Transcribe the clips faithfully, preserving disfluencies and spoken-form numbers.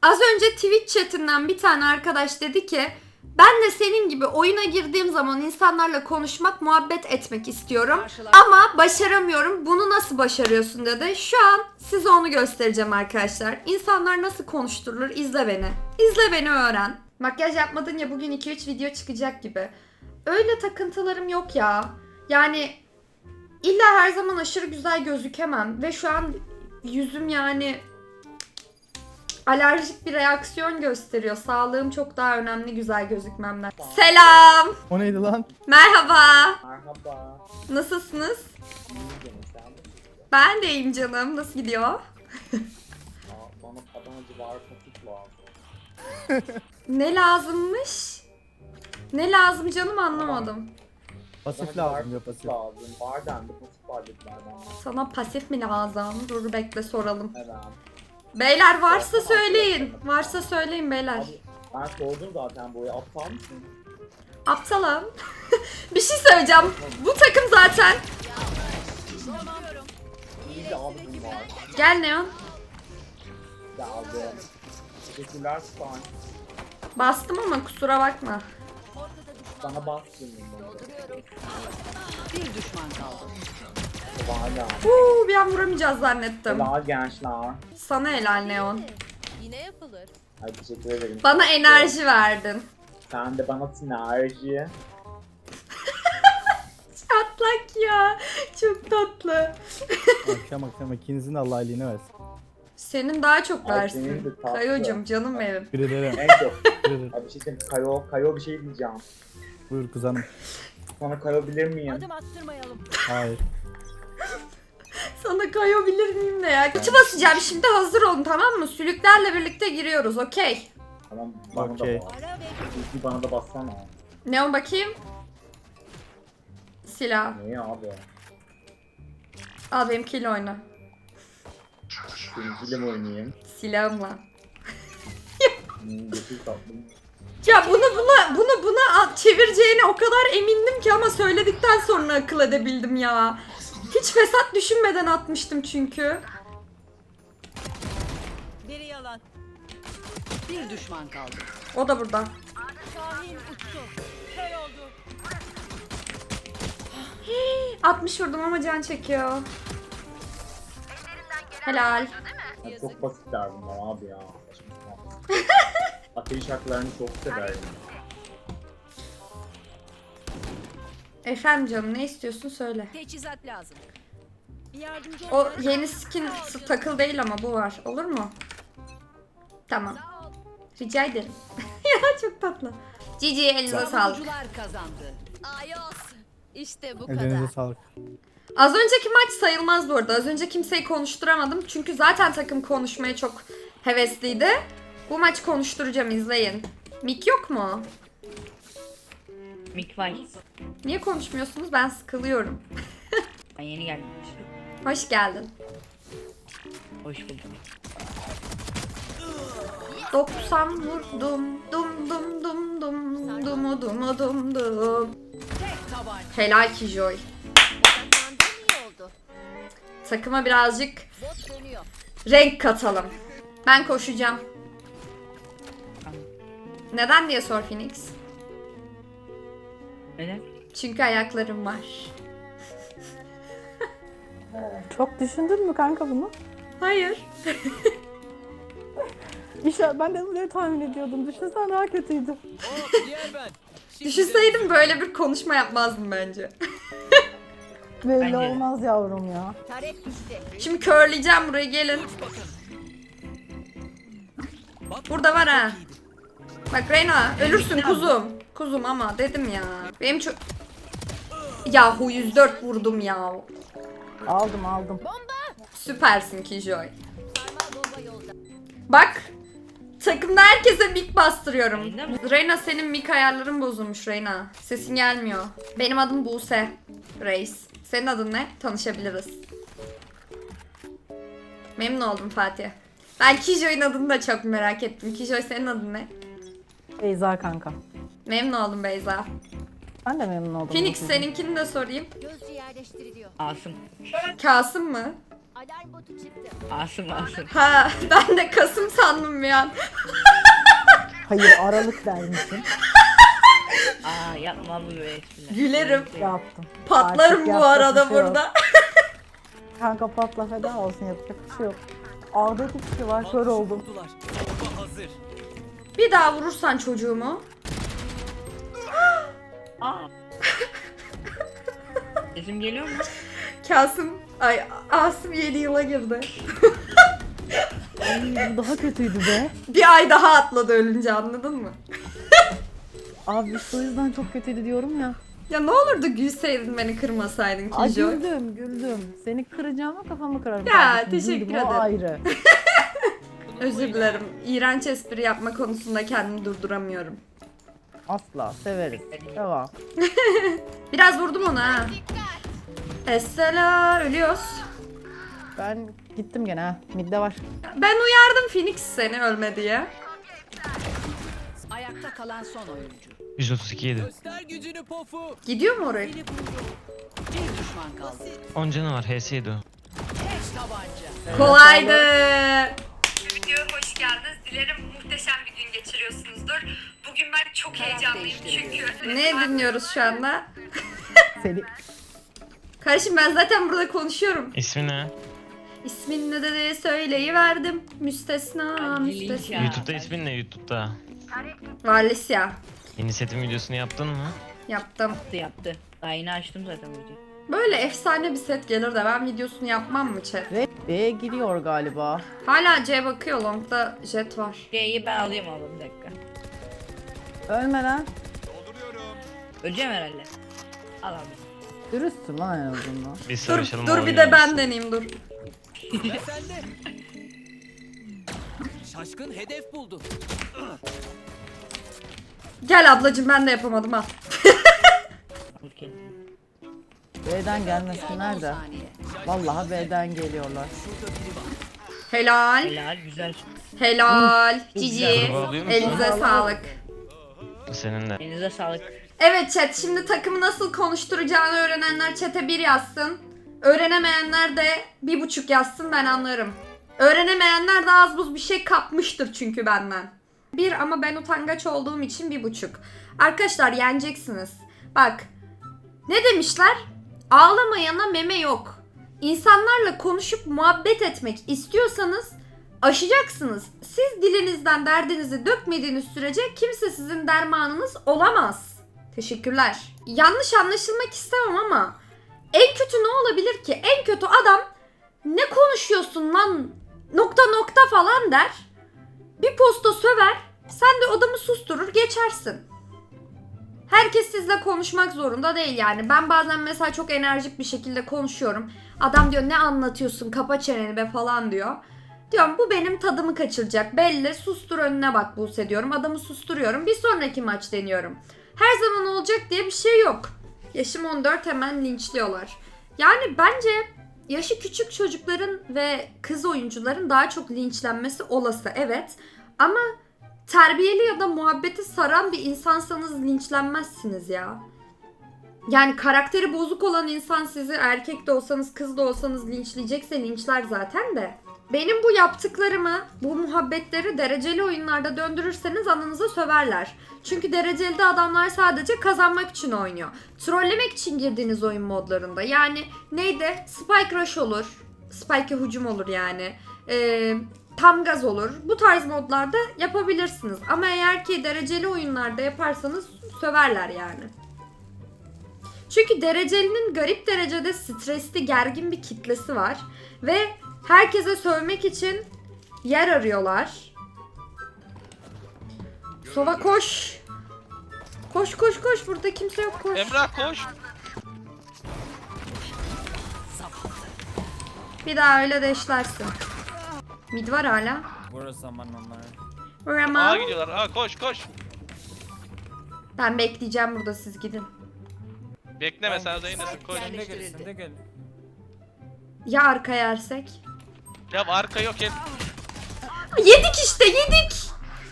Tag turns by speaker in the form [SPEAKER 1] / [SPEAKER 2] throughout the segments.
[SPEAKER 1] Az önce Twitch chatinden bir tane arkadaş dedi ki ben de senin gibi oyuna girdiğim zaman insanlarla konuşmak, muhabbet etmek istiyorum. Ama başaramıyorum. Bunu nasıl başarıyorsun dedi. Şu an size onu göstereceğim arkadaşlar. İnsanlar nasıl konuşturulur izle beni. İzle beni öğren. Makyaj yapmadın ya bugün iki üç video çıkacak gibi. Öyle takıntılarım yok ya. Yani illa her zaman aşırı güzel gözükemem. Ve şu an yüzüm yani alerjik bir reaksiyon gösteriyor. Sağlığım çok daha önemli güzel gözükmemden. Selam.
[SPEAKER 2] O neydi lan?
[SPEAKER 1] Merhaba.
[SPEAKER 3] Merhaba.
[SPEAKER 1] Nasılsınız?
[SPEAKER 3] İyi canım sen de.
[SPEAKER 1] Ben de iyiyim canım. Nasıl gidiyor?
[SPEAKER 3] Aa, bana Adanacı var patik lazım.
[SPEAKER 1] Ne lazımmış? Ne lazım canım anlamadım.
[SPEAKER 2] Pasif
[SPEAKER 3] Adanacı var
[SPEAKER 2] lazım ya
[SPEAKER 3] patik
[SPEAKER 2] pasif.
[SPEAKER 3] lazım. Var dendi patik var dediler bana.
[SPEAKER 1] Sana pasif mi lazım? Dur bekle soralım.
[SPEAKER 3] Evet.
[SPEAKER 1] Beyler varsa söyleyin. Varsa söyleyin beyler.
[SPEAKER 3] Abi, ben sordum zaten buraya. Aptal mısın?
[SPEAKER 1] Aptalım. Bir şey söyleyeceğim. Bu takım zaten.
[SPEAKER 3] İyi de abi bunun var.
[SPEAKER 1] Gel Neon.
[SPEAKER 3] Geldi. Teşekkürler Span.
[SPEAKER 1] Bastım ama kusura bakma.
[SPEAKER 3] Sana bastım.
[SPEAKER 4] Bir düşman kaldı.
[SPEAKER 3] Hala.
[SPEAKER 1] Uuu bir an vuramayacağız zannettim.
[SPEAKER 3] Helal gençler.
[SPEAKER 1] Sana helal Neon.
[SPEAKER 4] Yine yapılır.
[SPEAKER 3] Ay teşekkür ederim.
[SPEAKER 1] Bana enerji verdin.
[SPEAKER 3] Sen de bana sinerji.
[SPEAKER 1] Çatlak ya. Çok tatlı.
[SPEAKER 2] Akşam akşam ikinizin de Allah iyiliğini versin.
[SPEAKER 1] Senin daha çok
[SPEAKER 3] Ay,
[SPEAKER 1] versin.
[SPEAKER 3] senin de tatlı.
[SPEAKER 1] Kayocum canım benim.
[SPEAKER 2] Bir ederim.
[SPEAKER 3] En çok.
[SPEAKER 2] Bir ederim.
[SPEAKER 3] Ay bir şey diyeyim. Kayo, Kayo bir şey diyeceğim.
[SPEAKER 2] Buyur kuzenim.
[SPEAKER 3] Sana kayabilir miyim?
[SPEAKER 4] Adım attırmayalım.
[SPEAKER 2] Hayır.
[SPEAKER 1] Sana kayabilir miyim ne ya? Kutu basacağım şimdi hazır olun tamam mı? Sülüklerle birlikte giriyoruz okey.
[SPEAKER 3] Tamam bana
[SPEAKER 2] Okey.
[SPEAKER 3] da bas.
[SPEAKER 4] Ara ve
[SPEAKER 3] İlki bana da bassana.
[SPEAKER 1] Neon bakayım. Silah.
[SPEAKER 3] Niye abi?
[SPEAKER 1] Al benimkiyle oyna.
[SPEAKER 3] Seninkiyle mi oynayayım?
[SPEAKER 1] Silahımla.
[SPEAKER 3] Hmm, Götür tatlım.
[SPEAKER 1] Ya bunu buna bunu buna at- çevireceğine o kadar emindim ki ama söyledikten sonra akıl edebildim ya. Hiç fesat düşünmeden atmıştım çünkü.
[SPEAKER 4] biri yalan. Bir düşman kaldı.
[SPEAKER 1] O da burada.
[SPEAKER 4] Şahin uçtu. Kör oldu.
[SPEAKER 1] altmış vurdum ama can çekiyor. Helal.
[SPEAKER 3] Ya çok basitler bunlar abi ya. Saçma sapan. Ateş şarkılarını çok severim.
[SPEAKER 1] Efendim canım ne istiyorsun söyle.
[SPEAKER 4] Teçhizat lazım. Bir yardımcı
[SPEAKER 1] O
[SPEAKER 4] ol.
[SPEAKER 1] yeni skin s- takıl değil ama bu var. Olur mu? Tamam.
[SPEAKER 4] Sağ ol.
[SPEAKER 1] Rica ederim. Ya çok tatlı. Cici elinize sağlık.
[SPEAKER 4] Savunucular kazandı. Ayos. İşte bu
[SPEAKER 2] Elinize
[SPEAKER 4] kadar.
[SPEAKER 2] sağlık.
[SPEAKER 1] Az önceki maç sayılmaz bu arada. Az önce kimseyi konuşturamadım. Çünkü zaten takım konuşmaya çok hevesliydi. Bu maç konuşturacağım izleyin. Mik yok mu?
[SPEAKER 5] Mik var.
[SPEAKER 1] Niye konuşmuyorsunuz? Ben sıkılıyorum.
[SPEAKER 5] Ben yeni geldim.
[SPEAKER 1] Hoş geldin.
[SPEAKER 5] Hoş buldum.
[SPEAKER 1] doksan vurdum. Dum dum dum dum. Dumu dumu dum dum.
[SPEAKER 4] Tek tabanca.
[SPEAKER 1] Helal ki Joy.
[SPEAKER 4] Odaklandığın iyi oldu.
[SPEAKER 1] Takıma birazcık
[SPEAKER 4] Bot dönüyor.
[SPEAKER 1] renk katalım. Ben koşacağım.
[SPEAKER 5] Tamam.
[SPEAKER 1] Neden diye sor Phoenix.
[SPEAKER 5] Neden?
[SPEAKER 1] Çünkü ayaklarım var.
[SPEAKER 6] Çok düşündün mü kanka bunu?
[SPEAKER 1] Hayır.
[SPEAKER 6] İşte ben de böyle tahmin ediyordum. Düşünsen daha kötüydü.
[SPEAKER 1] Düşünseydim böyle bir konuşma yapmazdım bence.
[SPEAKER 6] Belli
[SPEAKER 5] Bence de.
[SPEAKER 6] olmaz yavrum ya.
[SPEAKER 4] Tarek düştü.
[SPEAKER 1] Şimdi körleyeceğim buraya gelin. Burada var ha. Bak Reyna ölürsün kuzum. Kuzum ama dedim ya. Benim çok... Yahu yüz dört vurdum ya.
[SPEAKER 6] Aldım aldım.
[SPEAKER 1] Süpersin Kijoy.
[SPEAKER 4] Sarmal bomba yolda.
[SPEAKER 1] Bak. Takımda herkese mik bastırıyorum.
[SPEAKER 5] Reyna mı?
[SPEAKER 1] Reyna senin mik ayarların bozulmuş Reyna. Sesin gelmiyor. Benim adım Buse. Reis. Senin adın ne? Tanışabiliriz. Memnun oldum Fatih. Ben Kijoy'un adını da çok merak ettim. Kijoy senin adın ne?
[SPEAKER 6] Beyza kanka.
[SPEAKER 1] Memnun oldum Beyza.
[SPEAKER 6] Ben de memnun oldum.
[SPEAKER 1] Phoenix seninkini de sorayım.
[SPEAKER 4] Gözcü yerleştiriliyor.
[SPEAKER 5] Asım.
[SPEAKER 1] Kasım mı?
[SPEAKER 4] Alarm botu çıktı.
[SPEAKER 5] Asım Asım.
[SPEAKER 1] Ha ben de Kasım sandım bir an.
[SPEAKER 6] Hayır Aralık dermişim.
[SPEAKER 5] Aa yapma bu böyle espriler.
[SPEAKER 1] Gülerim.
[SPEAKER 6] Yaptım.
[SPEAKER 1] Patlarım
[SPEAKER 6] Artık
[SPEAKER 1] bu
[SPEAKER 6] yapacak
[SPEAKER 1] arada
[SPEAKER 6] bir şey yok.
[SPEAKER 1] burada.
[SPEAKER 6] Kanka patla feda olsun yapacak bir şey yok. Ağda iki kişi var kör oldum.
[SPEAKER 1] Bir daha vurursan çocuğumu.
[SPEAKER 5] Aa. Sesim geliyor mu?
[SPEAKER 1] Kasım, ay Asım yeni yıla girdi.
[SPEAKER 6] Ay, bu daha kötüydü be.
[SPEAKER 1] Bir ay daha atladı ölünce, anladın mı?
[SPEAKER 6] Abi şu yüzden çok kötüydü diyorum ya.
[SPEAKER 1] Ya ne olurdu gülseydin, beni kırmasaydın
[SPEAKER 6] Ay
[SPEAKER 1] Kijo.
[SPEAKER 6] güldüm güldüm. Seni kıracağıma kafamı kırarım.
[SPEAKER 1] Ya,
[SPEAKER 6] kardeşim.
[SPEAKER 1] teşekkür
[SPEAKER 6] Güldüm,
[SPEAKER 1] ederim.
[SPEAKER 6] O ayrı.
[SPEAKER 1] Özür dilerim. İğrenç espri yapma konusunda kendimi durduramıyorum.
[SPEAKER 6] Asla severiz. Devam.
[SPEAKER 1] Biraz vurdum ona ha. Essela, ölüyoruz.
[SPEAKER 6] Ben gittim gene ha. Midde var.
[SPEAKER 1] Ben uyardım Phoenix seni ölme diye.
[SPEAKER 7] Ayakta kalan son oyuncu.
[SPEAKER 8] yüz otuz iki yedi.
[SPEAKER 9] Göster gücünü pofu.
[SPEAKER 1] Gidiyor mu oraya?
[SPEAKER 7] Bir düşman kaldı.
[SPEAKER 8] on canı var. H S yedi o.
[SPEAKER 7] Tek tabanca.
[SPEAKER 1] Kolaydı. Videoya hoş geldiniz. Dilerim muhteşem bir gün geçiriyorsunuzdur. Bugün ben çok heyecanlıyım çünkü. Ne dinliyoruz şu anda?
[SPEAKER 6] Seni
[SPEAKER 1] Kardeşim ben zaten burada konuşuyorum.
[SPEAKER 8] İsmi ne?
[SPEAKER 1] İsmin ne dedi söyleyiverdim. Müstesna,
[SPEAKER 5] Ay,
[SPEAKER 1] müstesna.
[SPEAKER 5] Ya,
[SPEAKER 8] YouTube'da
[SPEAKER 5] ben-
[SPEAKER 8] ismin ne YouTube'da?
[SPEAKER 1] Valisya.
[SPEAKER 8] Yeni setin videosunu yaptın mı?
[SPEAKER 1] Yaptım.
[SPEAKER 5] Yaptı yaptı. Daha yeni açtım zaten videoyu.
[SPEAKER 1] Böyle efsane bir set gelir de ben videosunu yapmam mı chat?
[SPEAKER 6] ve B'ye giriyor galiba.
[SPEAKER 1] Hala C bakıyor, longda jet var.
[SPEAKER 5] C'yi ben alayım abla bir dakika.
[SPEAKER 6] Ölme lan.
[SPEAKER 5] Öleceğim herhalde. Al abi.
[SPEAKER 6] Dürüstsün lan en azından.
[SPEAKER 8] Biz
[SPEAKER 1] Dur,
[SPEAKER 8] savaşalım.
[SPEAKER 1] dur bir de ben deneyeyim dur.
[SPEAKER 9] Ve sende. Şaşkın hedef buldu.
[SPEAKER 1] Gel ablacım, ben de yapamadım ha.
[SPEAKER 5] Vur kendini.
[SPEAKER 6] B'den gelmesinler de.
[SPEAKER 7] Saniye.
[SPEAKER 6] Vallahi B'den geliyorlar.
[SPEAKER 1] Helal.
[SPEAKER 5] Helal güzel.
[SPEAKER 1] Helal. Cici.
[SPEAKER 5] güzel.
[SPEAKER 8] Kurbağa alıyor musun?
[SPEAKER 1] Elinize sağlık.
[SPEAKER 8] Senin de.
[SPEAKER 5] Elinize sağlık.
[SPEAKER 1] Evet chat, şimdi takımı nasıl konuşturacağını öğrenenler chat'e bir yazsın. Öğrenemeyenler de bir buçuk yazsın, ben anlarım. Öğrenemeyenler de az buz bir şey kapmıştır çünkü benden. Bir, ama ben utangaç olduğum için bir buçuk. Arkadaşlar yeneceksiniz. Bak, ne demişler? Ağlamayana meme yok. İnsanlarla konuşup muhabbet etmek istiyorsanız aşacaksınız. Siz dilinizden derdinizi dökmediğiniz sürece kimse sizin dermanınız olamaz. Teşekkürler. Yanlış anlaşılmak istemem ama en kötü ne olabilir ki? En kötü adam ne konuşuyorsun lan nokta nokta falan der. Bir posta söver. Sen de adamı susturur geçersin. Herkes sizle konuşmak zorunda değil yani. Ben bazen mesela çok enerjik bir şekilde konuşuyorum. Adam diyor ne anlatıyorsun, kapa çeneni be falan diyor. Diyorum bu benim tadımı kaçıracak. Belli, sustur önüne bak Buse diyorum. Adamı susturuyorum. Bir sonraki maç deniyorum. Her zaman olacak diye bir şey yok. Yaşım on dört, hemen linçliyorlar. Yani bence yaşı küçük çocukların ve kız oyuncuların daha çok linçlenmesi olası, evet. Ama terbiyeli ya da muhabbeti saran bir insansanız linçlenmezsiniz ya. Yani karakteri bozuk olan insan sizi, erkek de olsanız kız da olsanız, linçleyecekse linçler zaten de. Benim bu yaptıklarımı, bu muhabbetleri dereceli oyunlarda döndürürseniz ananıza söverler. Çünkü dereceli adamlar sadece kazanmak için oynuyor. Trollemek için girdiğiniz oyun modlarında. Yani neydi? Spike Rush olur. Spike'e hücum olur yani. Ee, tam gaz olur. Bu tarz modlarda yapabilirsiniz. Ama eğer ki dereceli oyunlarda yaparsanız söverler yani. Çünkü derecelinin garip derecede stresli, gergin bir kitlesi var. Ve herkese sövmek için yer arıyorlar. Sova koş. Koş koş koş, burada kimse yok, koş.
[SPEAKER 10] Emrah koş.
[SPEAKER 1] Bir daha öyle deşlersin. Mid var hala.
[SPEAKER 9] Burası zaman onlar.
[SPEAKER 10] Aa
[SPEAKER 1] Rama.
[SPEAKER 10] gidiyorlar. Aa koş koş.
[SPEAKER 1] Ben bekleyeceğim burada, siz gidin.
[SPEAKER 10] Bekleme sen Zeynep'in koş.
[SPEAKER 9] Sen de gel, sen de gel.
[SPEAKER 1] Ya arka yersek?
[SPEAKER 10] Ya arka yok hep.
[SPEAKER 1] Yedik işte, yedik.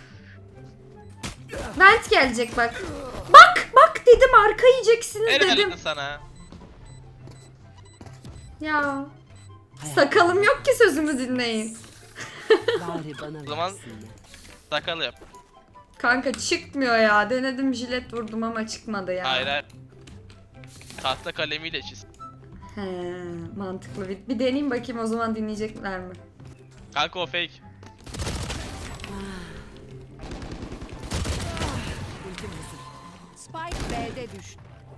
[SPEAKER 1] Vent gelecek bak. Bak bak dedim, arka yiyeceksiniz
[SPEAKER 10] Helal
[SPEAKER 1] dedim.
[SPEAKER 10] sana.
[SPEAKER 1] Ya. Sakalım yok ki sözümü dinleyin.
[SPEAKER 7] Bari bana
[SPEAKER 10] O zaman-
[SPEAKER 7] versinler.
[SPEAKER 10] Sakal yap.
[SPEAKER 1] Kanka çıkmıyor ya. Denedim jilet vurdum ama çıkmadı ya.
[SPEAKER 10] Hayır hayır. Tahta kalemiyle çiz.
[SPEAKER 1] He, mantıklı. Bir, bir deneyeyim bakayım o zaman dinleyecekler mi?
[SPEAKER 10] Kanka o fake.
[SPEAKER 7] Ultim hazır. Spike B'de düştü.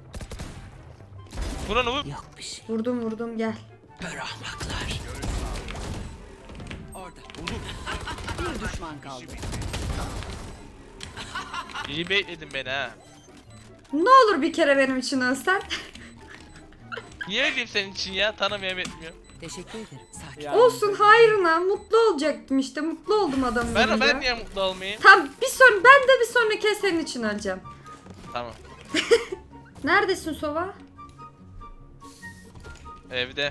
[SPEAKER 10] Vur onu vur.
[SPEAKER 7] Yok bir şey.
[SPEAKER 1] Vurdum vurdum gel.
[SPEAKER 7] Kör ahmaklar. Orada. Bir düşman kaldı.
[SPEAKER 10] İyi bekledin beni ha.
[SPEAKER 1] Ne olur bir kere benim için ölsen.
[SPEAKER 10] Niye öleyim senin için ya? Tanımıyorum etmiyorum.
[SPEAKER 7] Teşekkür ederim. Sakin.
[SPEAKER 9] Ya,
[SPEAKER 1] Olsun hayrına mutlu olacaktım işte. Mutlu oldum adamın
[SPEAKER 10] Ben,
[SPEAKER 1] yanında.
[SPEAKER 10] ben niye mutlu olmayayım?
[SPEAKER 1] Tamam bir son ben de bir sonraki kez senin için öleceğim.
[SPEAKER 10] Tamam.
[SPEAKER 1] Neredesin Sova?
[SPEAKER 10] Evde.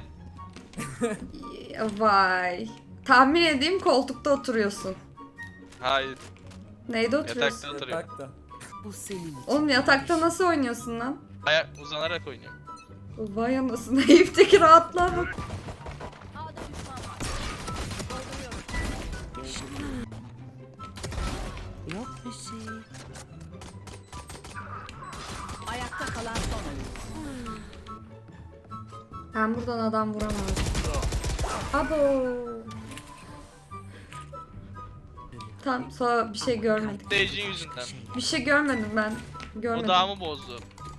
[SPEAKER 1] Vay. Tahmin edeyim koltukta oturuyorsun.
[SPEAKER 10] Hayır.
[SPEAKER 1] Neyde oturuyorsun?
[SPEAKER 10] Yatakta oturuyor.
[SPEAKER 9] Yatakta.
[SPEAKER 7] Bu senin için.
[SPEAKER 1] Oğlum yatakta nasıl oynuyorsun lan?
[SPEAKER 10] Ayak uzanarak oynuyorum.
[SPEAKER 1] Vay anasını Eyüp'teki rahatlığa bak.
[SPEAKER 4] A'da düşman var.
[SPEAKER 7] Yok bir şey. Ayakta kalan son oyuncu.
[SPEAKER 1] Ben buradan adam vuramam. Abo. Tam sonra bir şey görmedik.
[SPEAKER 10] Stage'in yüzünden.
[SPEAKER 1] Bir şey görmedim ben. Görmedim.
[SPEAKER 10] Odağımı bozdu.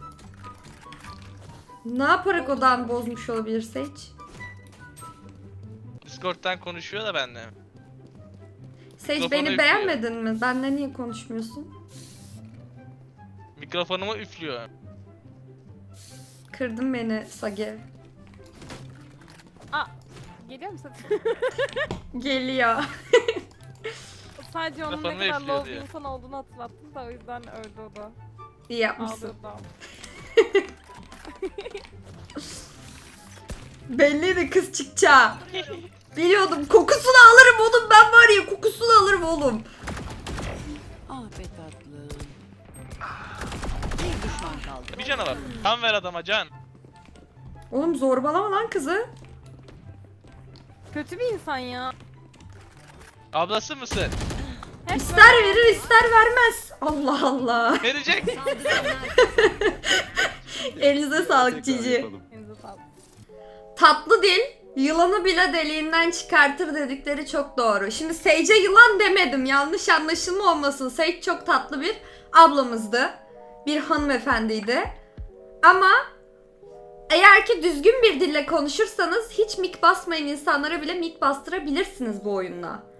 [SPEAKER 1] Ne yaparak odağını bozmuş olabilirse hiç?
[SPEAKER 10] Discord'dan konuşuyor da benimle.
[SPEAKER 1] Sage
[SPEAKER 10] Mikrofonu
[SPEAKER 1] beni
[SPEAKER 10] üflüyor.
[SPEAKER 1] beğenmedin mi? Benle niye konuşmuyorsun?
[SPEAKER 10] Mikrofonumu üflüyor.
[SPEAKER 1] Kırdın beni Sage.
[SPEAKER 11] Geliyor musun?
[SPEAKER 1] Geliyor.
[SPEAKER 11] Sadece onun
[SPEAKER 10] Kafanı
[SPEAKER 11] ne kadar
[SPEAKER 10] üflüyor
[SPEAKER 11] low bir
[SPEAKER 10] diye.
[SPEAKER 11] insan olduğunu hatırlattım da o yüzden öldü o da.
[SPEAKER 1] İyi yapmışsın.
[SPEAKER 11] Ağlıyordu ama.
[SPEAKER 1] Belliydi kız çıkacağı. Biliyordum kokusunu alırım oğlum ben var ya kokusunu alırım oğlum.
[SPEAKER 7] Ah be tatlım. Bir düşman kaldı.
[SPEAKER 10] Bir canavar. Kan ver adama can.
[SPEAKER 1] Oğlum zorbalama lan kızı.
[SPEAKER 11] Kötü bir insan ya.
[SPEAKER 10] Ablası mısın?
[SPEAKER 11] Hep
[SPEAKER 1] İster verir ister vermez. Allah Allah.
[SPEAKER 10] Verecek.
[SPEAKER 1] Elinize sağlık Cici.
[SPEAKER 11] Elinize sağlık.
[SPEAKER 1] Tatlı dil yılanı bile deliğinden çıkartır dedikleri çok doğru. Şimdi Sage'e yılan demedim. Yanlış anlaşılma olmasın. Sage çok tatlı bir ablamızdı. Bir hanımefendiydi. Ama eğer ki düzgün bir dille konuşursanız hiç mik basmayan insanlara bile mik bastırabilirsiniz bu oyunla.